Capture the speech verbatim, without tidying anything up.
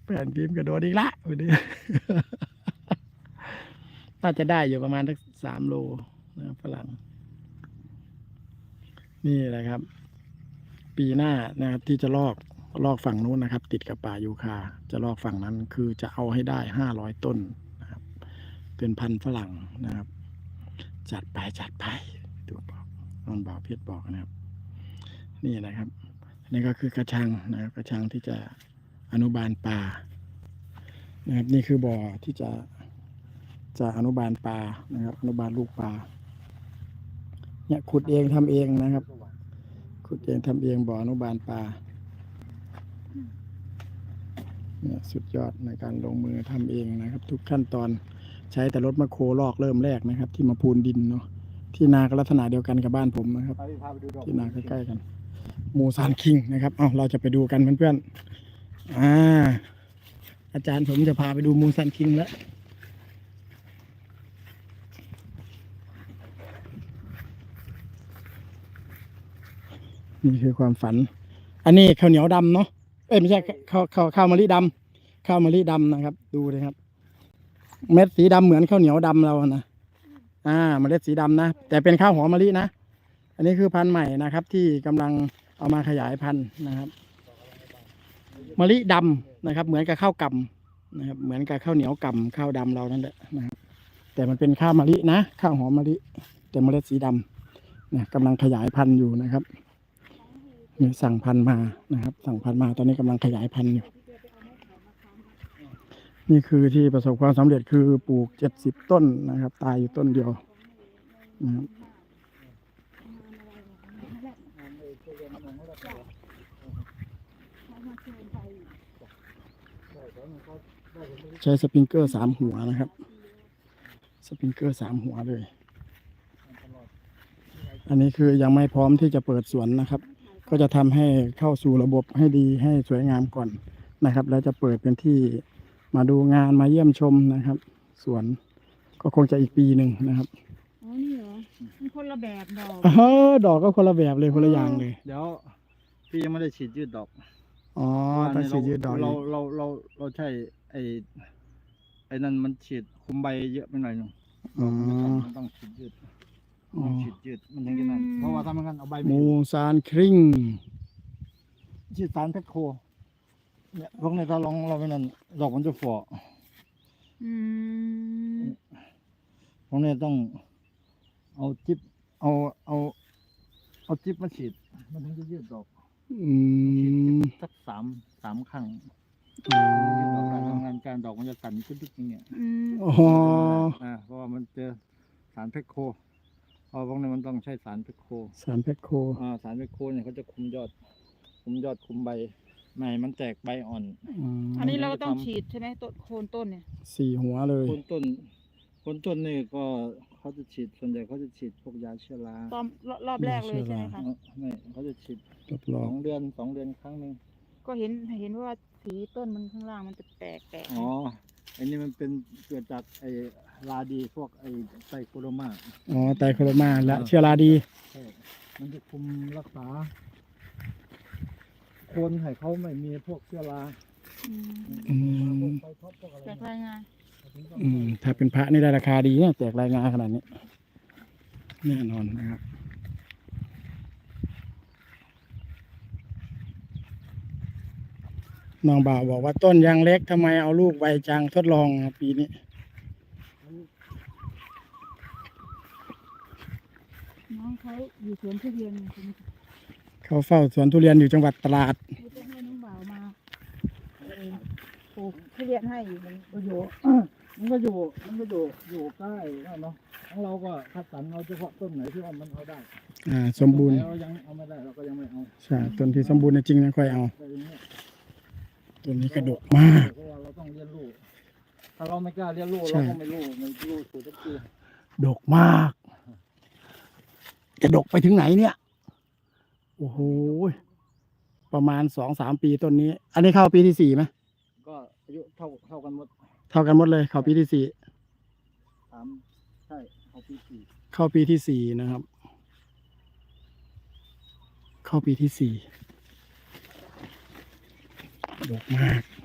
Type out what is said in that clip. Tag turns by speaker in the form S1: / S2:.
S1: แผ่นพิมพ์กระโดดอีกละวันนี้น่าจะได้อยู่ประมาณสักสามโลนะฝรั่งนี่แหละครับ ปีหน้านะครับที่จะลอกลอกฝั่งนู้นนะครับ ติดกับป่ายูคาจะลอกฝั่งนั้นคือจะเอาให้ได้ห้าร้อยต้นนะครับ เป็นพันธุ์ฝรั่งนะครับ จัดไปจัดไปดูบอกน้องบ่าวเพชรบอกนะครับ นี่นะครับนี่ก็คือกระชังนะครับกระชังที่จะอนุบาลปลานะครับนี่คือบ่อที่จะจะอนุบาลปลานะครับ อนุบาลลูกปลาเนี่ยขุดเองทำเองนะครับขุดเองทำเองบ่ออนุบาลปลาเนี่ยสุดยอดในการลงมือทำเองนะครับ ทุกขั้นตอนใช้แต่รถแมคโครลอกเริ่มแรกนะครับ ที่มาพูนดินเนาะที่นาก็ลักษณะเดียวกันกับบ้านผมนะครับที่นาใกล้ๆกันมูซานคิงนะครับเอาเราจะไปดูกันเพื่อนๆอ่าอาจารย์ผมจะพาไปดูมูซานคิงแล้วนี่คือความฝันอันนี้ข้าวเหนียวดำเนาะเอ้ยไม่ใช่ข้าวข้าวข้าวมะลิดำข้าวมะลิดำนะครับดูเลยครับเม็ดสีดำเหมือนข้าวเหนียวดำเรานะอ่าเมล็ดสีดำนะแต่เป็นข้าวหอมมะลินะอันนี้คือพันธุ์ใหม่นะครับที่กำลังเอามาขยายพันธุ์นะครับมะลิดำนะครับเหมือนกับข้าวกำนะครับเหมือนกับข้าวเหนียวกำข้าวดำเรานั่นแหละนะครับแต่มันเป็นข้าวมะลินะข้าวหอมมะลิแต่เมล็ดสีดำนะกำลังขยายพันธุ์อยู่นะครับนี่สั่งพันธุ์มานะครับสั่งพันธุ์มาตอนนี้กำลังขยายพันธุ์อยู่นี่คือที่ประสบความสำเร็จคือปลูกเจ็ดสิบต้นนะครับตายอยู่ต้นเดียวนะครับใช้สปริงเกอร์สามหัวนะครับสปริงเกอร์สามหัวเลยอันนี้คือยังไม่พร้อมที่จะเปิดสวนนะครับก็จะทำให้เข้าสู่ระบบให้ดีให้สวยงามก่อนนะครับแล้วจะเปิดเป็นที่มาดูงานมาเยี่ยมชมนะครับสวนก็คงจะอีกปีหนึ่งนะครับ
S2: อ๋อนี่เหรอมันคนละแบบดอก
S1: เออดอกก็คนละแบบเลยคนละอย่างเลย
S3: เดี๋ยวพี่ยังไม่ได้ฉีดยืดดอก
S1: อ๋อต้องฉีดยืดดอก
S3: เราเราเราเราใช่ไอ้ไอ้นั่นมันฉีดคุมใบเยอะไปหน่อยหนึ่งมันต้องฉีดยืดต้องฉีดยืดมันถึงจะนั่นเพราะว่าถ้ามันงั้นเอาใบ
S1: มูซานคิง
S3: ฉีดสารเพชรโคเนี่ยพวกนี้ถ้าลองเราไปนั่นดอกมันจะฝ่ออืมพวกนี้ต้องเอาจิ๊บเอาเอาเอาจิ๊บมาฉีดมันถึงจะยืดดอก
S1: อืม
S3: สักสามสามครั้งการทำงานการดอกมันจะสั่นขึ้นทุกอย่างเงี้ย
S1: อ๋อ
S3: อ่าเพราะว่ามันเจอสารเพชรโคพอพวกนี้มันต้องใช้สารเพชรโค
S1: สารเพชรโค
S3: อ่าสารเพชรโคเนี่ยเขาจะคุมยอดคุมยอดคุมใบไม่มันแตกใบอ่อน
S2: อันนี้เราต้องฉีดใช่ไหมต้นโคนต้นเนี่ย
S1: สี่หัวเลย
S3: โคนต้นโคนต้นนี่ก็เขาจะฉีดส่วนใหญ่เขาจะฉีดพวกยาเชื้อรา
S2: ตอนรอบแรกเลยใช่ไหมคะ
S3: ไม่เขาจะฉีดสองเดือนสองเดือนครั้งหนึ่ง
S2: ก็เห็นเห็นว่าสีต้นมันข้างล่างมันจะแตกแตก
S3: อ๋ออันนี้มันเป็นเกิดจากไอ้ราดีพวกไอ้ไตโคโรมา
S1: อ๋อไตโคโรมาและเชื้อราดี
S3: ใช่มันจะคุมรักษาคนให้เขาไม่มีพวกเชื้อรา
S1: อืม
S2: แตกรายงาน
S1: อืมถ้าเป็นพระนี่ได้ราคาดีเนี่ยแจกรายงานขนาดนี้แน่นอนนะครับน้องบ่าวบอกว่าต้นยังเล็กทำไมเอาลูกใบจังทดลองปีนี้
S2: น้องเขาอยู่สวนทุเรียน
S1: เขาเฝ้าสวนทุเรียนอยู่จังหวัดตราด
S2: จะให้น้องบ่าวมาปลูกทุเรียนให้มันก็อยู่
S3: มันก็อยู่มันก็อยู่อยู่ใกล้เนาะของเราก็คัดสรรเอาเฉพาะต้นไหนที่ว่ามันเอาได้
S1: อ่าสมบูรณ์
S3: เรายังเอาไม่ได้เราก็ยังไม่เอา
S1: ใช่ต้นที่สมบูรณ์จริงๆนะค่อยเอาต้นนี้กระดกมาก
S3: เพราะว่าเราต้องเรียนรู้ถ้าเราไม่กล้าเรียนรู้เราก็ไม่รู้ไม่รู้สูตรทุกที
S1: ดกมากจะดกไปถึงไหนเนี่ยโอ้โหประมาณสองสามปีต้นนี้อันนี้เข้าปีที่สี่ไหม
S3: ก็อายุเท่าเท่ากันหมด
S1: เท่ากันหมดเลยเข้าปีที่สี่
S3: สามใช่เข้าปีสี่
S1: เข้าปีที่สี่นะครับเข้าปีที่สี่ดกมาก